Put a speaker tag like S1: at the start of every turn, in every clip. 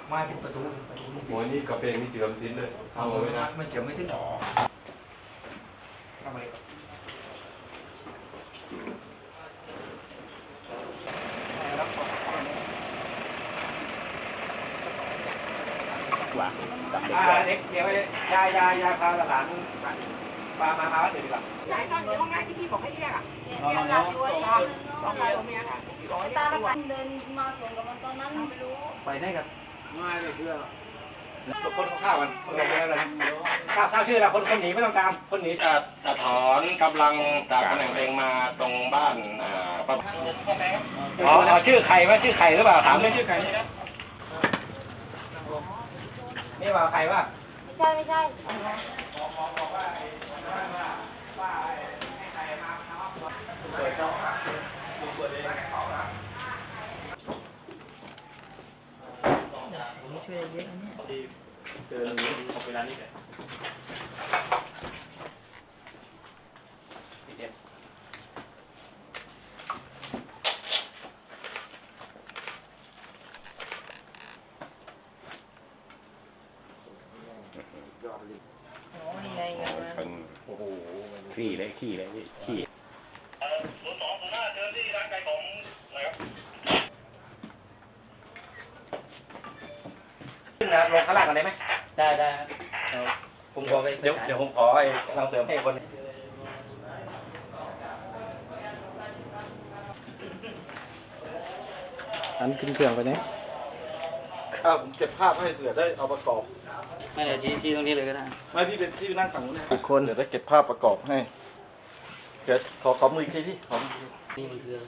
S1: มาเป็นประตู
S2: โอ้ยนี่กระเพงนี่เจือมดินเลยเอาไว้นะ
S1: มันเฉียวไม่ถึงหรอทำอะไรเด็กเดี๋ยวยาพาหลานมาเดี๋ยวดีกว่า
S3: ใช่ตอนอยู่ห้องแรกที่พี่บอกให้เรียกอ่ะเรียกรับด้วยสองคนผัวเมียค่ะตาละกันเดินมาสวนกับมันตอนนั้นไม่รู้
S1: ไปได้กันง่ายเลยเพื่อคนข้าวมันทราบชื่อแล้วคนหนีไม่ต้องตามคนหนี
S2: ถอนกำลังจากตำแหน่งเองมาตรงบ้าน
S1: อ๋อชื่อใครว่าชื่อใครหรือเปล่าถามไม่ชื่อใครนี่ว่าใครว่า
S3: ไม่ใช่ช่วยเยอะนะเนี่ย
S1: เจอนี้เอาไปร้านนี้เลย
S2: เป็นโอ้โหขี้เลยขี้
S4: 0205เชิญที่ร้านไก่ของนะครับ
S1: ขึ้นนะลงข้างล่างกันได้ไหมได้ผมขอไปเดี๋ยวผมขอไอ้กำลังเสริมให้คน
S5: อันขึ้นเครื่องไปเนี่ย
S6: ผมเก็บภาพให้เผื่อได้เอาประกอบ
S5: ไม่เดี๋ยวชี้ตรงนี้เลยก็ได้
S6: ไม่พี่เป็นที่นั่งฝั่งนู้น
S5: อีกคน
S6: เดี๋ยวได้เก็บภาพประกอบให้เดี๋ยวขอมืออีกทีพี่ขอ
S5: นี่มันคือ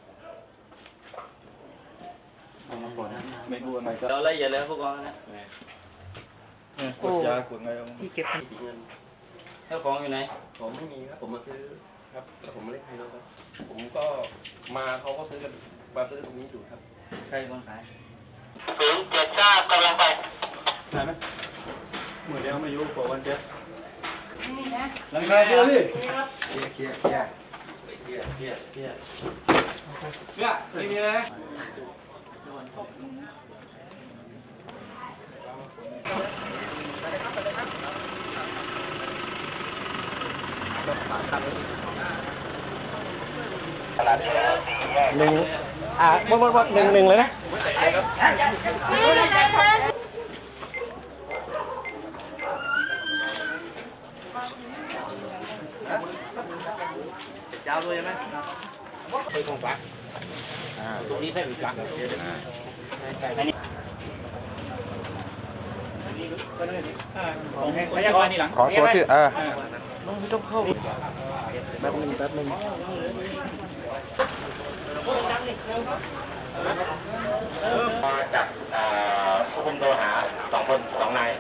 S6: ไม่รู้อะไรก็
S5: เราละเอียดแล้วพวกเรานะ
S6: กดยากดไง
S5: ที่เก็บเงินเจ้าของอยู่ไหน
S2: ผมไม่มีครับผมมาซื้อครับแล้วผมไม่ได้ให้แล้วครับผมก็มาเขาก็ซื้อกันมาซื้อตรงนี้อยู่ครับ
S5: ใครคนขาย
S4: 079กำลังไป
S6: ได้ไหมมือเดียวไม่ยุ่งกว่าวันเจ็ด
S1: หลังคาเชื่อพี่
S6: เคลียร์
S1: ไม่มีเลยหนึ่งหมดหนึ่งเลยนะเจ้าด้วยใช่ไหมไปตรงกลางตรงนี้ใช่หรือกลางอันนี้พยากรณ์นี่หลัง
S6: ขอตัวที่
S1: ไม่ต้องเข้าแป๊บนึง
S2: มาจากควบคุมตัวหา2 นาย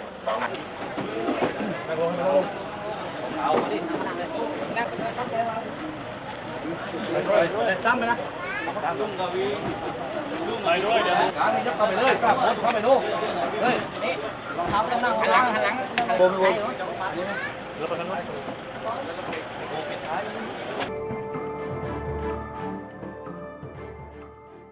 S1: ซ้ำไปนะลุงกวีลุงไหนด้วยเดี๋ยวขานี่ยับเข้าไปเลยเข้าไปดูเฮ้ยนี่รองเท้าต้องนั่งหันหลังโบนแล้วไปข้างนอก